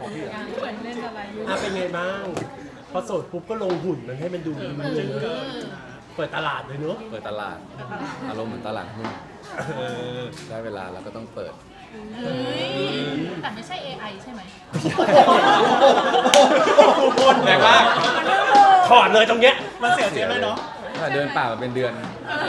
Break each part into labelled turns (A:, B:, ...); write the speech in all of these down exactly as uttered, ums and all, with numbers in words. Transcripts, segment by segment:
A: พี่
B: เหมือนเล่นอะไรอยู่
C: อ่ะเป็นไงบ้างพอโสดปุ๊บก็ลงหุ่นมันให้มันดูมันเจอเปิดตลาดเลยเนอะ
A: เปิดตลาดอารมณ์เหมือนตลาดหุ้น
C: เออ
A: ได้เวลาเราก็ต้องเปิด
B: เฮ้ยแต่ไม่ใช่ เอ ไอ ใช่ไหม
C: แรงมากถอดเลยตรงเนี้ย
D: มันเสียเสียเลยเนาะ
A: ถ้าเดินป่ามาเป็นเดือน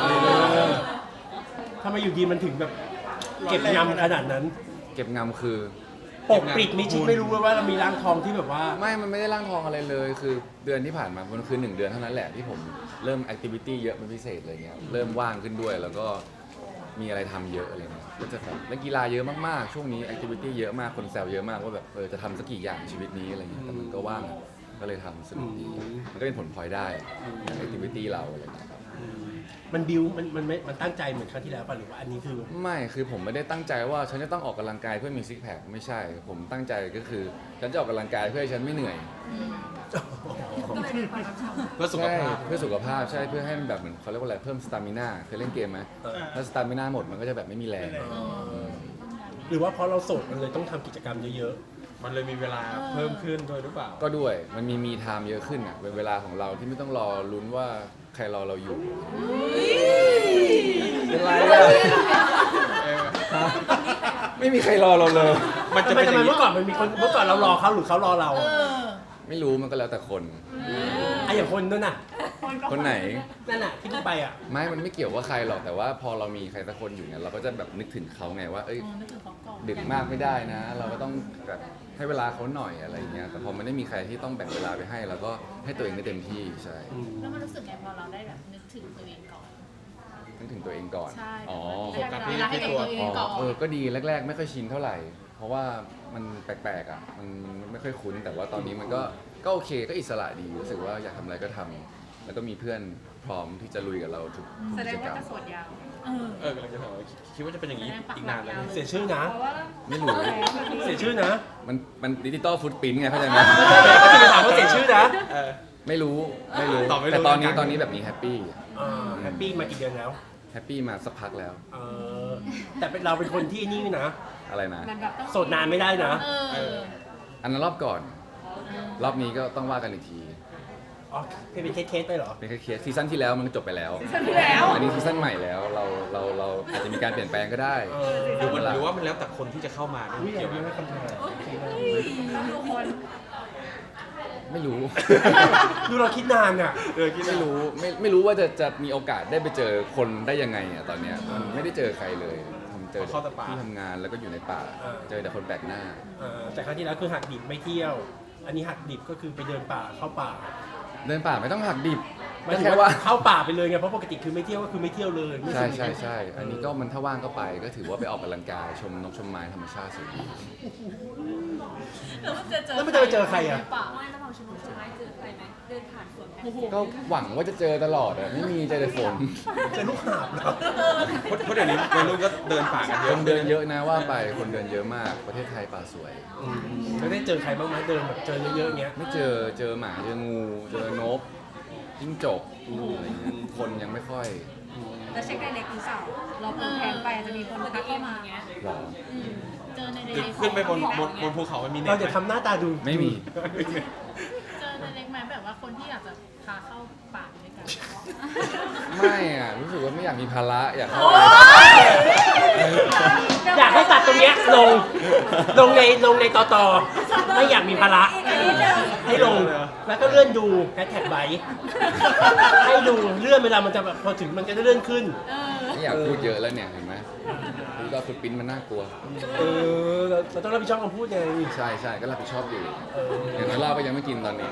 C: ทำไมอยู่ดีมันถึงแบบเก็บยำขนาดนั้น
A: เก็บงำคือ
C: ปกปิดมิชิดไม่รู้เลยว่าเรามีร่างทองที่แบบว่า
A: ไม่ มันไม่ได้ร่างทองอะไรเลย คือเดือนที่ผ่านมา มันคือหนึ่งเดือนเท่านั้นแหละที่ผมเริ่มแอคทิวิตี้เยอะเป็นพิเศษอะไรเงี้ย เริ่มว่างขึ้นด้วย แล้วก็มีอะไรทำเยอะอะไรเงี้ย ก็จะแบบเล่นกีฬาเยอะมากๆ ช่วงนี้แอคทิวิตี้เยอะมาก คนแซวเยอะมากว่าแบบเออจะทำสักกี่อย่างชีวิตนี้อะไรเงี้ย แต่มันก็ว่าง ก็เลยทำสนุกดี มันก็เป็นผลพลอยได้แอคทิวิตี้เราอะไรเงี้ยครับ
C: มันบิวมันมันไม่มันตั้งใจเหมือนครั้งที่แล้วป่ะหรือว่าอันนี้คือ
A: ไม่ คือผมไม่ได้ตั้งใจว่าฉันจะต้องออกกำลังกายเพื่อมีซิกแพค ไม่ใช่ ผมตั้งใจก็คือฉันจะออกกำลังกายเพื่อให้ฉันไม่เหนื่อย
D: เพื่อสุขภาพ
A: ใช่เพื่อสุขภาพใช่เพื่อให้มันแบบเหมือนเขาเรียกว่าอะไรเพิ่มสตามิน่าเคยเล่นเกมไหม
C: เออ
A: ถ้าสตามิน่าหมดมันก็จะแบบไม่มีแรง
C: หรือว่าเพราะเราโสดมันเลยต้องทำกิจกรรมเยอะ
D: มันเลยมีเวลาเพิ่มขึ้นด้วยหรือเปล่า
A: ก็ด้วยมันมีมีไทม์เยอะขึ้นอ่ะเป็นเวลาของเราที่ไม่ต้องรอลุ้นว่าใครรอเราอยู่เป็นไรอะไม่มีใครรอเราเลย
C: ๆ
D: มันจะ
C: ทำไม
D: เป็น
C: ทำ
D: อ
C: ไม
D: ย่างนี้
C: เมื่อก่อนมันมีคนเมื่อก่อนเรารอเขาหรือเขารอเรา
B: เออ
A: ไม่รู้มันก็แล้วแต่คน
C: ไอ้อย่างคนนั่นน่ะ
A: คนไหน
C: นั่นน่ะที่พี่ไปอ่ะ
A: ไม่มันไม่เกี่ยวว่าใครหรอกแต่ว่าพอเรามีใครสักคนอยู่เนี่ยเราก็จะแบบนึกถึงเขาไงว่าเอ้ย
B: นึกถึงเขาก่อน
A: ดึกมากไม่ได้นะ เราก็ต้องแบบให้เวลาเขาหน่อยอะไรอย่างเงี้ยแต่พอมันไม่มีใครที่ต้องแบ่งเวลาไปให้เราก็ให้ตัวเองได้เต็มที่ใช่
B: แล้วมันรู้สึกไงพอเราได้แบบนึกถึงตัวเองก่อน
A: นึกถึงตัวเองก่อน
B: ใช่
A: อ๋อ
B: โฟกัสเวลาให้กับตัวเองก่อน
A: เออก็ดีแรก ๆ ไม่ค่อยชินเท่าไหร่ เพราะว่ามันแปลกๆอ่ะมันมันไม่ค่อยคุ้นแต่ว่าตอนนี้มันก็ก็โอเคก็อิสระดีรู้สึกว่าอยากทำอะไรก็ทำแล้วก็มีเพื่อนพร้อมที่จะลุยกับเราทุกทุก
E: แสด
A: กิ
E: ง
A: จกร
E: ว่าร
A: ม
E: จะโสดยาว
B: เออ
D: เออกำลังจะถามว่าคิดว่าจะเป็นอย่างนี้อีกนานเลย
C: เสียชื่อนะ
E: เพราะว่า
A: ไม่รู้
C: เสียชื่อนะ
A: มันมันดิจิตอลฟุตปรินท์ไงเข้าใจไหม
C: ก็จะถามว่าเสียชื่อนะ
D: เออ
A: ไม่รู้ไม่รู้
D: ตอบไม่รู้
A: แต่ตอนนี้
D: เหมือนกัน
A: ตอนนี้แบบนี้แฮปปี้
C: แฮปปี้มากี่เดือนแล้ว
A: แฮปปี้มาสักพักแล้ว
C: เออแต่เป็นเราเป็นคนที่นี่นะ
A: อะไรนะ
E: มันแบบต้อง
C: โสดนานไม่ได้นะ
B: เออ
A: อันนั้นรอบก่อน รอบนี้ก็ต้องว่ากันอีกที
C: อ๋อเป็นเคสๆไปเหรอ
A: เป็นแค่เคสซีซั่นที่แล้วมันก็จบไปแล้ว
E: ฉันที่แล้ว
A: อันนี้ซีซั่นใหม่แล้วเราเราเราอาจจะมีการเปลี่ยนแปลงก็ได้
C: เออ
D: หรือว่าหรือว่ามันแล้วแต่คนที่จะเข้ามาด้วย
C: อุ้ย
D: เกี่ยว
C: ไม่
D: ไหม
C: ได้คำถาม
E: ต้องดูคน
A: ไม่รู้
C: ดูเราคิดนานอ่ะ
D: เออคิด
A: ไม่
D: ไม่รู้
A: รู้ไม่ไม่รู้ว่าจะจะมีโอกาสได้ไปเจอคนได้ยังไงอ่ะตอนเนี้ยมันไม่ได้เจอใครเลยทำเจอที่ทำงานแล้วก็อยู่ในป่า เจอแต่คนแปลกหน้า
C: เออแต่ครั้งที่แล้วคือหักดิบไม่เที่ยว อันนี้หักดิบก็คือไปเดินป่าเข้าป่า
A: เดินป่าไม่ต้องหักดิบ
C: หมายถึง
A: แค่
C: ว่า
A: ว่า
C: เข้าป่าไปเลยไงเพราะปกติคือไม่เที่ยวก็คือไม่เที่ยวเลยไม่
A: ใช่
C: สนิท
A: ใช่ใช่อันนี้ก็มันถ้าว่างก็ไปก็ถือว่าไปออกกำลังกายชมนกชมไม้ธรรมชาติสวยดี
B: แล้วมันจะเจอ
C: แล้วมันจะไปเจอใครอ่ะ
B: ป่า
E: ไม่แล้วเราชนุกใช่ไหมเจอใครไหมเดินผ่านสวนแพน
B: โอ้โห
A: ก็หวังว่าจะเจอตลอดอะไม่มีเจอแต่ฝน
C: เจอลูกหาบเหรอ
D: เพราะเพราะเดี๋ยวนี้วัยรุ่นก็เดินป่ากันเย
A: ค
D: อะ
A: นเดินเยอะนะว่าไปคนเดินเยอะมากประเทศไทยป่าสวย
C: อืมแล้วได้เจอใครบ้างไหมเดินแบบเจอเยอะๆอย่างเงี้ย
A: ไม่เจอเจอหมาเจองูเจอนกจิ้งจกอะไรเงี้ยคนยังไม่ค่อย
E: แล้วเช็คไดเรกหรือเปล่าเราโพสต์แทนไปอาจจะมีคนทักเข้ามาเงี้ย
A: หรอ
B: อืมเจอในเด็
D: คือก ขึ้นไปบนบนบนภูเขามันมีเน็ต
C: เรา
D: ไหม
C: จะทำหน้าตาดู
A: ไม่มี
B: เจอในเด็กไหมแบบว่าคนที่อยากจะพาเข้าป่าด้วยกัน
A: ไม่อะรู้สึกว่าไม่อยากมีภาระอยากเข้า
C: อยากให้ตัดตรงเนี้ยลง ลงในลงในตอตอไม่อยากมีภาระให้ลง แล้วก็เลื่อนดูแฮชแท็กไบให้ดูเลื่อนเวลามันจะแบบพอถึงมันจะได้เลื่อนขึ้น
A: ไม่อยากพูดเยอะแล้วเนี่ยเห็นไหมพูดว่าฟุตปรินท์มันน่ากลัว
C: เออเราเราต้องรับผิดชอบคำพูดไง
A: ใช่ใช่ก็รับผิดชอบอยู่
C: เออ
A: อย่างน้อยเหล้าก็ยังไม่กินตอนนี้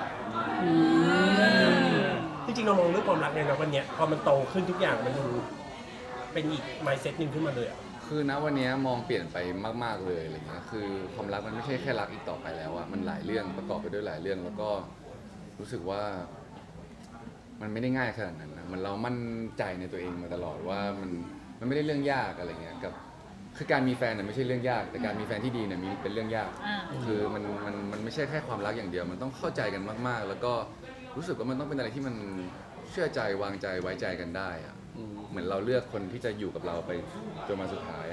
C: จริงๆเรามองเรื่องความรักเนี่ยนะวันเนี้ยพอมันโตขึ้นทุกอย่างมันดูเป็นอีก mindset หนึ่งขึ้นมาเลยอ่ะ
A: คือณวันนี้มองเปลี่ยนไปมาก ๆเลยอะไรเงี้ยคือความรักมันไม่ใช่แค่รักอีกต่อไปแล้วอะมันหลายเรื่องประกอบไปด้วยหลายเรื่อง แล้วก็รู้สึกว่า มันไม่ได้ง่ายขนาดนั้นนะมันเรามั่นใจในตัวเองมาตลอดว่ามันมันไม่ได้เรื่องยากอะไรเงี้ยกับคือการมีแฟนเนี่ยไม่ใช่เรื่องยาก แต่การมีแฟนที่ดีเนี่ยมีเป็นเรื่องยาก
B: อ่า
A: คือมันมันมันไม่ใช่แค่ความรักอย่างเดียว มันต้องเข้าใจกันมากๆ แล้วก็รู้สึกว่ามันต้องเป็นอะไรที่มันเชื่อใจวางใจไว้ใจกันได้อะเหมือนเราเลือกคนที่จะอยู่กับเราไปจนมาสุดท้ายอะ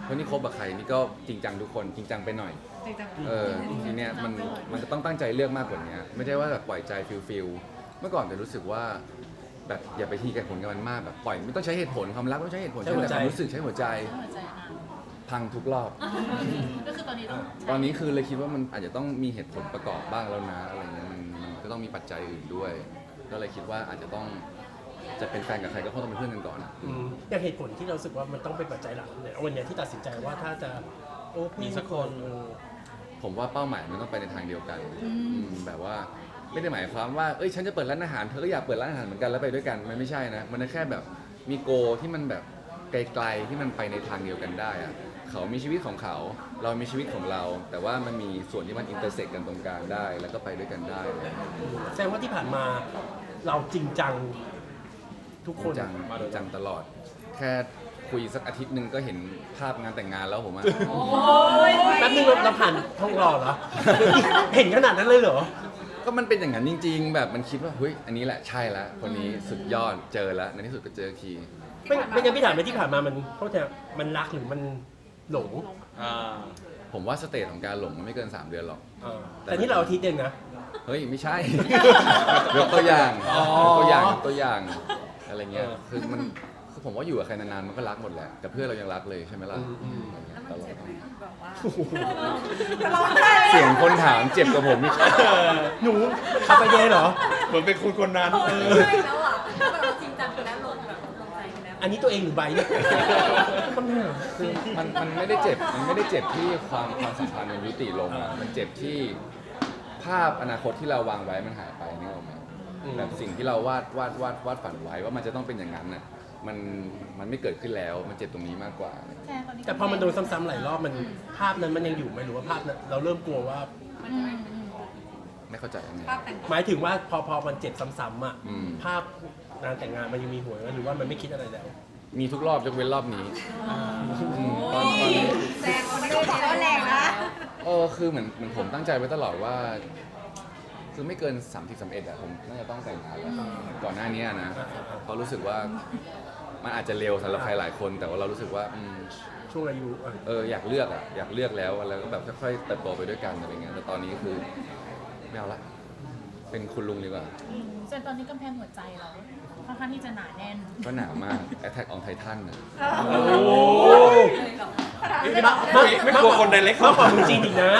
A: คนที่คบกับใครนี่ก็จริงจังทุกคนจริงจังไปหน่อย
E: จริงจัง
A: เออทีเนี้ยมันมันก็ต้องตั้งใจเลือกมากกว่านี้ไม่ใช่ว่าแบบปล่อยใจฟิลฟิลเมื่อก่อนจะรู้สึกว่าแบบอย่าไปทีกับผลกับมันมากแบบปล่อยไม่ต้องใช้เหตุผลความรักไม่ต้องใช้เหตุผล
C: ใช้หัวใจ
A: แต่ความรู้สึกใช้หัวใจ
B: หัวใจอ่ะ
A: พังทุกรอบ
B: ก็คือตอนนี้ต้อง
A: ตอนนี้คือเลยคิดว่ามันอาจจะต้องมีเหตุผลประกอบบ้างแล้วนะอะไรเงี้ยมันมันก็ต้องมีปัจจัยอื่นด้วย ก็เลยคิดว่าอาจจะต้องจะเป็นแฟนกับใครก็คงต้องเป็นเพื่อนกันก่อนอะ
C: อืมอย่างเหตุผลที่เรารู้สึกว่ามันต้องเป็นปัจจัยหลักเนี่ยวันเนี้ยที่ตัดสินใจว่าถ้าจะโอ้มีสักคนเออ
A: ผมว่าเป้าหมายมันต้องไปในทางเดียวกันอืมแบบว่าไม่ได้หมายความว่าเอ้ยฉันจะเปิดร้านอาหารเธอก็อยากเปิดร้านอาหารเหมือนกันแล้วไปด้วยกันมันไม่ใช่นะมันแค่แบบมีโกที่มันแบบไกลๆที่มันไปในทางเดียวกันได้อะเขามีชีวิตของเขาเรามีชีวิตของเรา แต่ว่ามันมีส่วนที่มันอินเตอร์เซ็กกันตรงกลางได้ แล้วก็ไปด้วยกันได้เลย
C: แสดงว่าที่ผ่านมาเราจริงจังทุก
A: จ
C: ค
A: ริ
C: น
A: งจังจริงจังตลอด แค่คุยสักอาทิตย์หนึ่งก็เห็นภาพงานแต่งงานแล้วผมอะ
C: แป๊บนึงเราเราผ่านท้องรอเหรอ เห็นขนาดนั้นเลยเหรอ
A: ก็มันเป็นอย่างนั้นจริง ๆ แบบมันคิดว่าเฮ้ยอันนี้แหละใช่แล้วคนนี้สุดยอดเจอแล้วในที่สุดก็เจอที
C: ไม่ไม่งั้นพี่ถามไปที่ผ่านมามันเขาจะมันรักหรือมันหลง
D: อ่า
A: ผมว่าสเตจของการหลงมันไม่เกิน สาม เดือนหรอก
C: เออแต่นี่เราอาทิตย์เองนะ
A: เฮ้ย ไม่ใช่ ยกตัวอย่าง
C: อ๋อ
A: ยกตัวอย่างยกตัวอย่างอะไรเงี้ย
C: เออ
A: คือมันคือผมว่าอยู่กับใครนานๆมันก็รักหมดแหละแต่เพื่อนเรายังรักเลยใช่ไหมล่ะ
C: อืมอืม
A: ตลอด
E: แบบว่า
C: โอ้โห
A: เสียงคนถามเจ็บกับผมนี่
C: หนูขับไปเดย์เหรอ
D: เหมือนเป็นคุณคนนั้น
E: ใช่แล้วอ่ะแบบเราจริงจังไปแล้วลงแบบลงใจไปแล้ว
C: อันนี้ตัวเองหรือใบเนี่ยคำถามคือ
A: มันมันไม่ได้เจ็บมันไม่ได้เจ็บที่ความความสัมพันธ์มันยุติลงอะมันเจ็บที่ภาพอนาคตที่เราวางไว้มันหายไปนึกออกไหมแบบสิ่งที่เราวาดวาดวาดวาดฝันไว้ว่ามันจะต้องเป็นอย่างนั้นน่ะมันมันไม่เกิดขึ้นแล้วมันเจ็บตรงนี้มากกว่า
B: แค่ตอนนี้
C: แต่พอมันโดนซ้ำๆหลายรอบมันภาพนั้นมันยังอยู่ไหมหรือว่าภาพนั้นเราเริ่มกลัวว่า
B: อืมอืม
A: ไม่เข้าใจยังไง
E: ภาพแต่ง
C: หมายถึงว่าพอพอมันเจ็บซ้ำๆอ่ะ
A: อืม
C: ภาพงานแต่งงานมันยังมีหัวไหมหรือว่ามันไม่คิดอะไรแล้ว
A: มีทุกรอบยกเว้นรอบนี้อืมตอนตอนนี้
E: แรงคนนี้บอกว่าแรงนะ
A: เออคือเหมือนเหมือนผมตั้งใจไว้ตลอดว่า คือไม่เกินสามสิบสามเอ็ดอะผมน่าจะต้องแต่งงานแล้วก่อนหน้านี้นะเพราะรู้สึกว่ามันอาจจะเร็วสำหรับใครหลายคน แต่ว่าเรารู้สึกว่าอืม
C: ช่วงอายุอ่ะ
A: เอออยากเลือกอะอยากเลือกแล้วแล้วก็แบบค่อยๆเติบโตไปด้วยกันอะไรเงี้ยแต่ตอนนี้คือไม่เอาละเป็นคุณลุงดีกว่า
B: อืมส่วนตอนนี้กำแพงหัวใจเราค่อนข้างที่จะหนาแน่น
A: ก็หนาวมาก Attack on Titan น่ะ
C: โอ้โห
D: ไม่ไม่กลัวคนไดเรก
C: มากกว่าเมืองจีนอีกนะ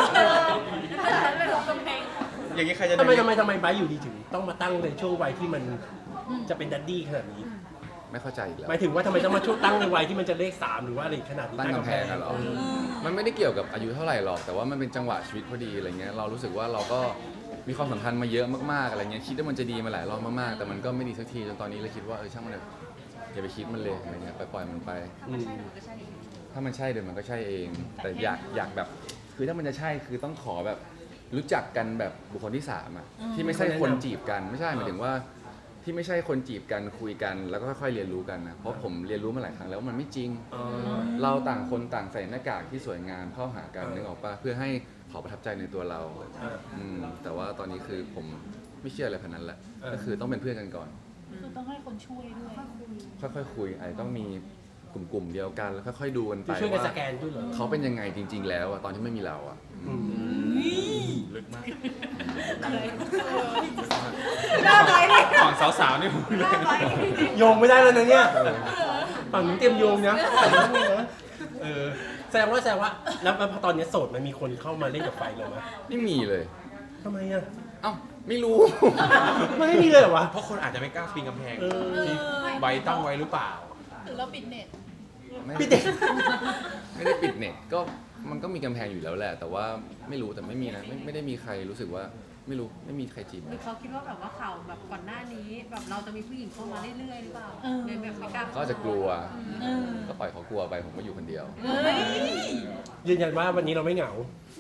D: อย่างนี้ใครจะ
C: ทำไมทำไมทำไมไบร์ทอยู่ดีถึงต้องมาตั้งในช่วงวัยที่มันจะเป็นดัดดี้ขนาดนี้
A: ไม่เข้าใจอีกแล้ว
C: หมายถึงว่าทำไมต้องมาช่วงตั้งในวัยที่มันจะเลขสามหรือว่าอะไรขนาดนี้
A: ตั้งกำแพงอะเหรอ มันไม่ได้เกี่ยวกับอายุเท่าไหร่หรอก แต่ว่ามันเป็นจังหวะชีวิตพอดีอะไรเงี้ย เรารู้สึกว่าเราก็มีความสัมพันธ์มาเยอะมากๆอะไรเงี้ย คิดว่ามันจะดีมาหลายรอบมากๆ แต่มันก็ไม่ดีสักทีจนตอนนี้เลยคิดว่าเออช่างมันเถอะอย่าไปคิดมันเลยอะไรเงี้ย ปล่อยๆมันไป
C: อืม
A: ถ้ามันใช่เดี๋ยวมันก็ใช่เอง แต่อยากอยากแบบ คือถ้ามันจะใช่คือต้องขอแบบรู้จักกันแบบบุคคลที่สามอะที่ไม่ใช่คนจีบกัน ไม่ใช่หมายถึงว่า ที่ไม่ใช่คนจีบกันคุยกันแล้วก็ค่อยๆเรียนรู้กันนะ เพราะผมเรียนรู้มาหลายครั้งแล้วว่ามันไม่จริง
C: อ๋อ
A: เราต่างคนต่างใส่หน้ากากที่สวยงามเข้าหากันนึกออกปะเพื่อให้เขาประทับใจในตัวเรา
C: อ่า
A: อืมแต่ว่าตอนนี้คือผมไม่เชื่ออะไรพันนั้นแหละ
C: เออ
A: ก็คือต้องเป็นเพื่อนกันก่อน
B: คือต้องให้คนช่วยด้วย
A: ค่อยๆคุยอาจจะต้องมีกลุ่มๆเดียวกันแล้วค่อยๆดูกันไป
C: คือช่วยกัน
A: ว่า
C: สแกนด้วยเหรอ
A: เขาเป็นยังไงจริง ๆ แล้วอะตอนที่ไม่มีเราอะ
C: อืม
D: ลึกมาก
E: หน้าไว้เลย
D: ฝั่งสาวๆนี่ผม
E: หน้าไว้
C: โยงไม่ได้แล้วนะเนี่ยฝั่งนู้นเตรียมโยงนะเออแสดงว่าแสดงว่าแล้วพอตอนนี้โสดมันมีคนเข้ามาเล่นกับไฟเราไหม
A: ไม่มีเลย
C: ทำไมอ่ะ
A: เอ้าไม่รู้
C: มันไม่มีเลยเหรอวะ
D: เพราะคนอาจจะไม่กล้าปีนกำแพง
C: เออ
D: ที่ใบตั้งไว้หรือเปล่า
B: หรือเราปิดเน็ต
A: ไม่
C: พี่เด็ก
A: ไม่ได้ปิดเน็ตก็มันก็มีกำแพงอยู่แล้วแหละ แต่ว่าไม่รู้แต่ไม่มีนะไม่ไม่ได้มีใครรู้สึกว่าไม่รู้ไม่มีใครจีบ
E: หรือเขาคิดว่าแบบว่าข่าวแบบก่อนหน้านี้แบบเราจะมีผู้หญิงเข้ามาเรื่อยๆหรือเปล่า
B: เออ
E: เลยแบบไม่กล้า
A: เขาอาจจะกลัว
B: เออ
A: ก็ปล่อยเขากลัวไปผมก็อยู่คนเดียว
B: เฮ้ย
C: ยืนยันว่าวันนี้เราไม่เหงา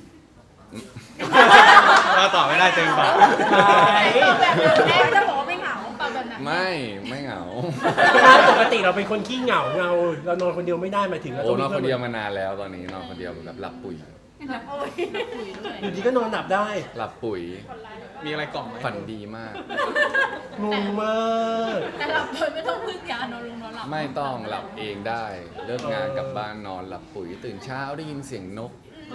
D: เราตอบไม่ได้เต็มปาก
E: แบบแรกจะบอกว่าไม่เหงา
B: ตอบแบบนั้น
A: ไม่ไม่เหงา
C: ปกติเราเป็นคนขี้เหงาเงาเรานอนคนเดียวไม่ได้หมายถึงเรา
A: โอ้
C: ต้อง
A: น
C: มี
A: อน
C: เพื่
A: ค
C: อน
A: นเดียวมานานแล้วตอนนี้นอนคนเดียวแบบหลับปุ๋ย
B: คุยด้วย
C: อยู่ดีก็นอนหลับได้
A: หลับปุ๋ย
D: มีอะไรกล่อมไหม
A: ฝันดีมาก
C: งงมาก
B: แต่หลับโดยไม่ต้องพึ่งยานอนลุงนอนหลับ
A: ไม่ต้องหลับเองได้ เลิกงานกลับบ้านนอนหลับปุ๋ยตื่นเช้าได้ยินเสียงนก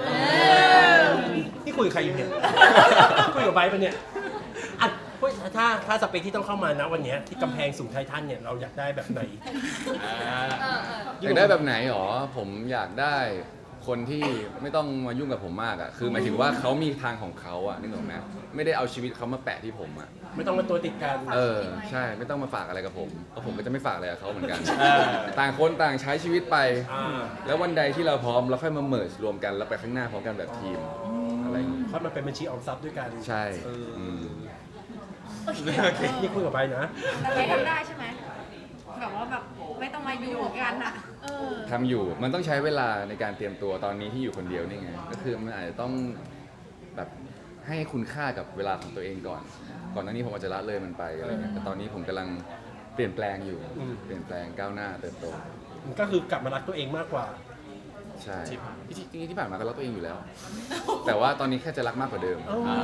C: นี่คุยกับใครอยู่เนี่ย คุยกับไบร์ทปะเนี่ยอ่ะเฮ้ยถ้าถ้าสเปคที่ต้องเข้ามานะวันเนี้ยที่กำแพงสูงไททันเนี่ยเราอยากได้แบบไหน
A: อยากได้แบบไหนหรอ ผมอยากได้คนที่ไม่ต้องมายุ่งกับผมมากอ่ะ คือหมายถึงว่าเขามีทางของเขาอ่ะนึกออกไหมไม่ได้เอาชีวิตเขามาแปะที่ผมอ่ะ
C: ไม่ต้องมาตัวติดกัน
A: เออใช่ไม่ต้องมาฝากอะไรกับผมเพราะผมก็จะไม่ฝากอะไรกับเขาเหมือนกัน ต่างคนต่างใช้ชีวิตไป
C: อ่า
A: แล้ววันใดที่เราพร้อมเราค่อยมาเมิร์จรวมกันแล้วไปข้างหน้าพร้อมกันแบบทีมอะไรอย่างงี้
C: ค่อยมาเป็นบัญชีออมทรัพย์ด้วยกัน
A: ใช่
C: เออ
A: อืม
C: นี่คุยกับไบร์ทนะ
E: แต่ไม่ทำได้ใช่ไหมแบบว่าแบบไม่ต้องมาอยู่กันอะ
B: เออ
A: ทำอยู่มันต้องใช้เวลาในการเตรียมตัวตอนนี้ที่อยู่คนเดียวนี่ไงก็คือมันอาจจะต้องแบบให้คุณค่ากับเวลาของตัวเองก่อน ก่อนหน้านี้ผมอาจจะละเลยมันไปอะไรเงี้ยแต่ตอนนี้ผมกำลังเปลี่ยนแปลงอยู่
C: อืม
A: เปลี่ยนแปลงก้าวหน้าเติบโต
C: ก็คือกลับมารักตัวเองมากกว่า
A: ใช่ที่จริงๆที่ผ่านมาก็รักตัวเองอยู่แล้ว แต่ว่าตอนนี้แค่จะรักมากกว่าเดิม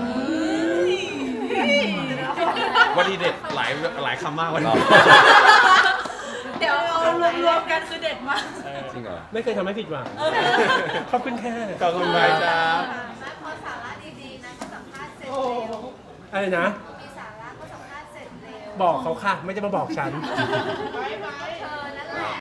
F: วันดีเด็ดหลายหลายคำมากวันนี้
B: เดี๋ยวเอารวมๆกันคือเด็ดมาก
A: จริงเหรอ
C: ไม่เคยทำให้ผิดหวัง ขอบคุณค่ะ
F: ขอบคุณไบร์ทครับ
G: พอสาระดีๆนะก็สัมภาษณ์เสร็จเร็ว
C: อะไรนะ
G: มีสาระก็สัมภาษณ์เสร็จเร็ว
C: บอกเขาค่ะ ไม่ได้มาบอกฉัน
G: ไว้ไว้